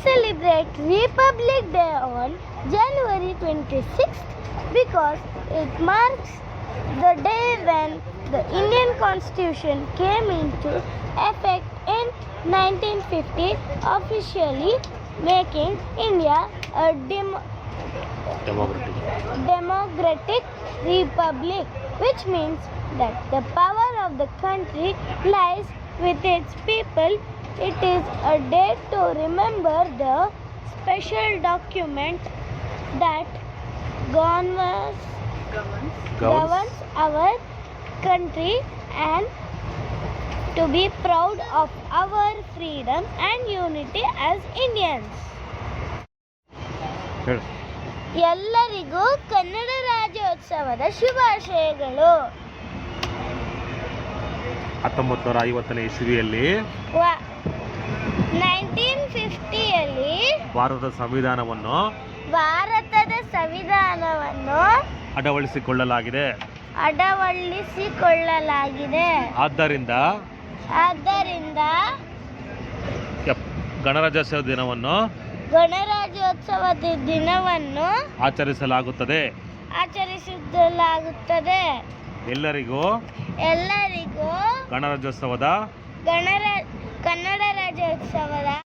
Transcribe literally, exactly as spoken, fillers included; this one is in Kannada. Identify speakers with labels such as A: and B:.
A: celebrate Republic Day on January twenty-sixth because it marks the day when the Indian Constitution came into effect in nineteen fifty, officially making India a dem-
B: democratic.
A: democratic republic, which means that the power of the country lies with its people. It is a day to remember the special document that governs,
B: Governs.
A: governs our country, and to be proud of our freedom and unity as Indians.
B: ಹೇಳು.
A: ಎಲ್ಲರಿಗೂ ಕನ್ನಡ ರಾಜ್ಯೋತ್ಸವದ ಶುಭಾಶಯಗಳು.
B: ಹತ್ತೊಂಬತ್ತು ನೂರ ಐವತ್ತನೇ ಇಸವಿಯಲ್ಲಿ
A: ನೈನ್ಟೀನ್ ಫಿಫ್ಟಿಯಲ್ಲಿ
B: ಭಾರತದ ಸಂವಿಧಾನವನ್ನು
A: ಭಾರತದ ಸಂವಿಧಾನವನ್ನು
B: ಅಳವಡಿಸಿಕೊಳ್ಳಲಾಗಿದೆ.
A: ಅಳವಡಿಸಿಕೊಳ್ಳಲಾಗಿದೆ.
B: ಆದ್ದರಿಂದ
A: ಆದ್ದರಿಂದ
B: ಎಪ್- ಗಣರಾಜ್ಯೋತ್ಸವ ದಿನವನ್ನು
A: ಗಣರಾಜ್ಯೋತ್ಸವದ ದಿನವನ್ನು
B: ಆಚರಿಸಲಾಗುತ್ತದೆ.
A: ಆಚರಿಸಲಾಗುತ್ತದೆ.
B: ಎಲ್ಲರಿಗೂ
A: ಎಲ್ಲರಿಗೂ
B: ಗಣರಾಜ್ಯೋತ್ಸವದ
A: ಗಣರ ಕನ್ನಡ ರಾಜ್ಯೋತ್ಸವದ